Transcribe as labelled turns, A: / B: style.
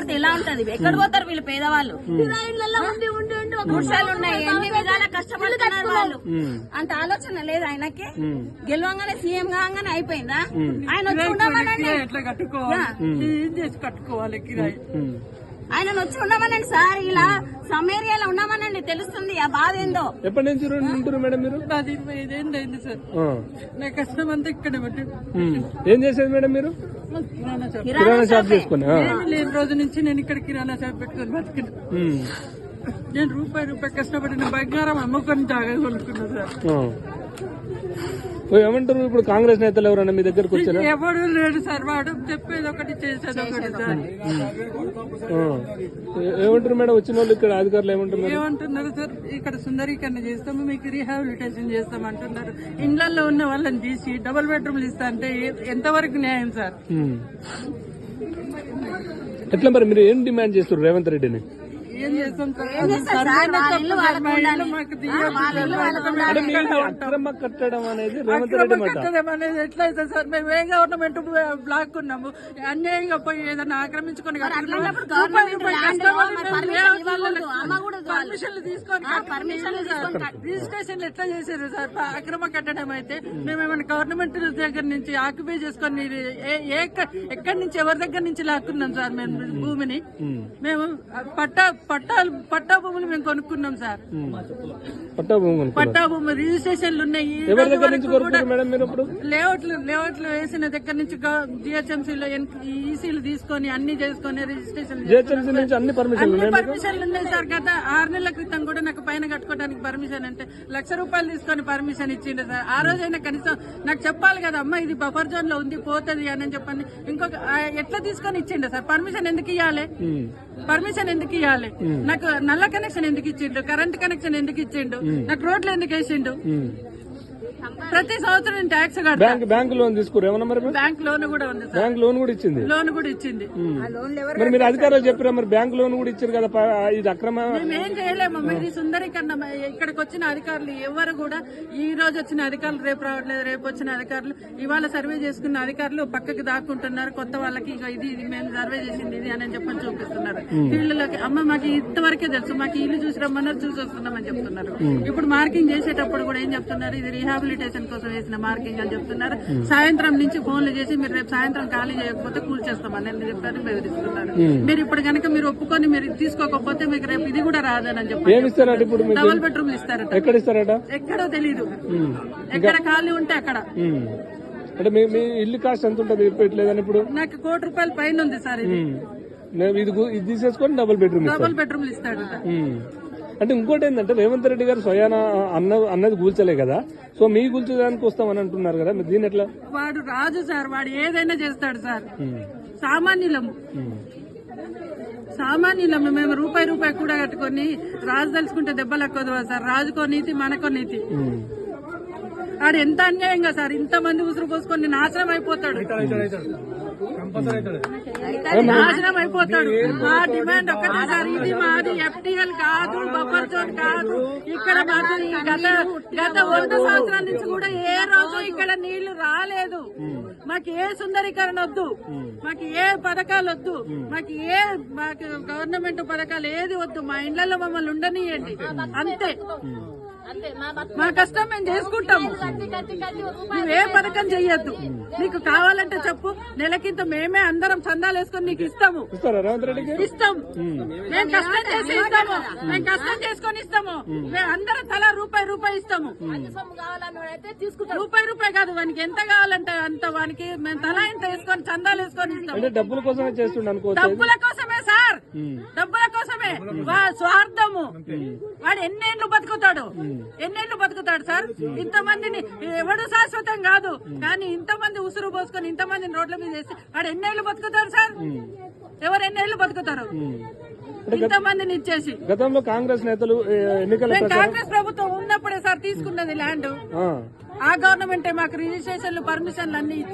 A: కొడితే ఇలా ఉంటది. ఎక్కడ పోతారు వీళ్ళు పేదవాళ్ళు? గుడిసెలు ఉన్నాయి, ఎన్ని విధాలా కష్టపడుతున్నారు వాళ్ళు. అంత ఆలోచన లేదు ఆయనకి. గెలవంగానే సీఎం కాగానే అయిపోయిందా? ఆయన వచ్చి ఉండమనండి, ఆయన వచ్చి ఉండమనండి సార్. ఇలా సమ్ ఏరియాలో ఉండమనండి, తెలుస్తుంది ఆ బాధ ఏందో.
B: ఎప్పటి నుంచి ఉంటున్నారు మేడం మీరు?
C: 25 ఏళ్ళు అయింది సార్. నా కష్టం అంతా ఇక్కడ బట్టి.
B: ఏం చేసేది మేడం మీరు? కిరాణా షాప్ చేసుకున్నా?
C: లేని రోజు నుంచి నేను ఇక్కడ కిరాణా షాప్ పెట్టుకుని బతికిన. నేను రూపాయి కష్టపడిన బంగారం అమ్ముకొని జాగా కొనుక్కున్నా సార్.
B: ఏమంటారు ఇప్పుడు కాంగ్రెస్ నేతలు ఎవరన్నా మీ దగ్గరకు వచ్చారా?
C: ఎవడు లేడు సార్, వాడు చెప్పేది ఒకటి చేసేది ఒకటి సార్.
B: ఏమంటారు మేడం వచ్చిన వాళ్ళు ఇక్కడ అధికారులు
C: ఏమంటున్నారు సార్? ఇక్కడ సుందరీకరణ చేస్తాము, మీకు రీహాబిలిటేషన్ చేస్తాం అంటున్నారు. ఇండ్లలో ఉన్న వాళ్ళని తీసి డబుల్ బెడ్రూమ్లు ఇస్తా అంటే ఎంతవరకు న్యాయం సార్?
B: ఎట్లా మరి మీరు ఏం డిమాండ్ చేస్తారు రేవంత్ రెడ్డిని?
C: ఏం చేస్తాం
B: అక్రమ కట్టడం అనేది రేవంత్ రెడ్డి
C: కట్టడం అనేది ఎట్లయితే సార్? మేము ఏ గవర్నమెంట్ బ్లాక్ ఉన్నాము, అన్యాయంగా పోయి ఏదైనా ఆక్రమించుకొని పర్మిషన్లు తీసుకొని రిజిస్ట్రేషన్లు ఎట్లా చేశారు సార్? అక్రమ కట్టడం అయితే మేమేమైనా గవర్నమెంట్ దగ్గర నుంచి ఆక్యుపై చేసుకొని ఎక్కడి నుంచి ఎవరి దగ్గర నుంచి లాక్కున్నాం సార్? మేము భూమిని మేము పట్టా భూములు మేము కొనుక్కున్నాం సార్. పట్టా భూములు రిజిస్ట్రేషన్లు ఉన్నాయి. లేఅవుట్లు వేసిన దగ్గర నుంచి జిహెచ్ఎంసీలో ఈసీలు తీసుకొని అన్ని చేసుకొని రిజిస్ట్రేషన్ పర్మిషన్లు ఉన్నాయి సార్. గత 6 నెలల క్రితం కూడా నాకు పైన కట్టుకోవడానికి పర్మిషన్ అంటే ₹1,00,000 తీసుకొని పర్మిషన్ ఇచ్చిండు సార్. ఆ రోజైనా కనీసం నాకు చెప్పాలి కదా, అమ్మ ఇది బఫర్ జోన్ లో ఉంది పోతుంది అని చెప్పని. ఇంకొక ఎట్లా తీసుకొని ఇచ్చిండు సార్? పర్మిషన్ ఎందుకు ఇవ్వాలి? నాకు నల్ల కనెక్షన్ ఎందుకు ఇచ్చిండు? కరెంట్ కనెక్షన్ ఎందుకు ఇచ్చిండు? నాకు రోడ్లు ఎందుకు వేసిండు? ప్రతి సంవత్సరం నేను ట్యాక్స్ కడతాను.
B: బ్యాంక్ లోన్ తీసుకురా?
C: బ్యాంక్ లోన్ కూడా ఉంది సార్.
B: బ్యాంక్ లోన్ కూడా ఇచ్చింది. మరి మీరు అధికారులు చెప్పారా మరి? బ్యాంక్ లోన్ కూడా ఇచ్చారు కదా, ఇది అక్రమ?
C: మేమేం చేయలేము. ఇది సుందరీకరణ. ఇక్కడికి వచ్చిన అధికారులు ఎవరు కూడా ఈ రోజు వచ్చిన అధికారులు రేపు రావట్లేదు, రేపు వచ్చిన అధికారులు ఇవాళ సర్వే చేసుకున్న అధికారులు పక్కకి దాక్కుంటున్నారు. కొత్త వాళ్ళకి ఇది మేము సర్వే చేసింది ఇది అని చెప్పని చూపిస్తున్నారు. ఇళ్ళకి అమ్మ మాకు ఇంతవరకే తెలుసు, మాకు ఇల్లు చూసి రమ్మన్నారు, చూసి వస్తున్నామని చెప్తున్నారు. ఇప్పుడు మార్కింగ్ చేసేటప్పుడు కూడా ఏం చెప్తున్నారు? ఇది రీహాబిలిటేషన్ కోసం వేసిన మార్కింగ్ అని చెప్తున్నారు. సాయంత్రం నుంచి ఫోన్లు చేసి మీరు రేపు సాయంత్రం ఖాళీ చేయకపోతే కూల్చేస్తామని చెప్పారు, బెదిరిస్తున్నారు. మీరు ఇప్పుడు కనుక మీరు ఒప్పుకొని మీరు తీసుకోకపోతే మీకు రేపు ఇది కూడా రాదని చెప్పి డబుల్ బెడ్రూమ్లు ఇస్తారట.
B: ఎక్కడ ఇస్తారట?
C: ఎక్కడో తెలీదు. ఎక్కడ ఖాళీ ఉంటే అక్కడ.
B: అంటే మీ ఇల్లు కాస్ట్ ఎంత ఉంటుంది చెప్పట్లేదని? ఇప్పుడు
C: నాకు ₹1,00,00,000 పైన ఉంది సార్.
B: ఇది తీసేసుకొని డబుల్ బెడ్రూమ్లు
C: ఇస్తాడు.
B: అంటే ఇంకోటి ఏంటంటే రేవంత్ రెడ్డి గారు స్వయాన అన్నది కూల్చలే కదా, సో మీ కూల్చడానికి వస్తామని అంటున్నారు కదా, దీని ఎట్లా?
C: వాడు రాజు సార్, వాడు ఏదైనా చేస్తాడు సార్. సామాన్యులము మేము రూపాయి కూడా కట్టుకొని రాజు తలుచుకుంటే దెబ్బలు ఎక్కువ సార్. రాజుకో నీతి, మనకో నీతి. వాడు ఎంత అన్యాయంగా సార్ ఇంతమంది ఉసురు పోసుకొని నాశనం అయిపోతాడు. నాశనం అయిపోతాడు. మా డిమాండ్ ఒక్కటే సార్, ఇది మాది FTL కాదు, బఫర్ జోన్ కాదు. ఇక్కడ మాది గత 100 సంవత్సరాల నుంచి కూడా ఏ రోజు ఇక్కడ నీళ్లు రాలేదు. మాకు ఏ సుందరీకరణ వద్దు, మాకు ఏ పథకాలు వద్దు, మాకు గవర్నమెంట్ పథకాలు ఏది వద్దు. మా ఇళ్లలో మమ్మల్ని ఉండనియండి అంతే. మా కష్టం మేము చేసుకుంటాము. నువ్వే పథకం చెయ్యొద్దు. నీకు కావాలంటే చెప్పు, నెలకింత మేమే అందరం చందాలు వేసుకొని నీకు ఇస్తాము. ఇస్తాం. మేము కష్టం చేసి ఇస్తాము. మేము కష్టం చేసుకొని ఇస్తాము. మేము అందరం తలా రూపాయి ఇస్తాము. రూపాయి కాదు, వానికి ఎంత కావాలంటే అంత. వానికి మేము తలా ఇంత వేసుకొని చందాలు వేసుకొని ఇస్తాము.
B: డబ్బుల కోసమే చేస్తుండ.
C: డబ్బుల కోసమే సార్, డబ్బుల కోసమే. స్వార్థము. వాడు ఎన్నేళ్లు బతుకుతాడు సార్? ఇంతమందిని ఎవడు శాశ్వతం కాదు, కానీ ఇంతమంది ఉసురు పోసుకొని ఇంతమందిని రోడ్ల మీద వేసి వాడు ఎన్నేళ్లు బతుకుతారు సార్? ఎవరు ఎన్నేళ్లు బతుకుతారు ఇంతమందిని ఇచ్చేసి?
B: గతంలో కాంగ్రెస్ నేతలు
C: కాంగ్రెస్ ప్రభుత్వం ఉన్నప్పుడే సార్ తీసుకున్నది ల్యాండ్. ఆ గవర్నమెంటే మాకు రిజిస్ట్రేషన్లు, పర్మిషన్లు అన్ని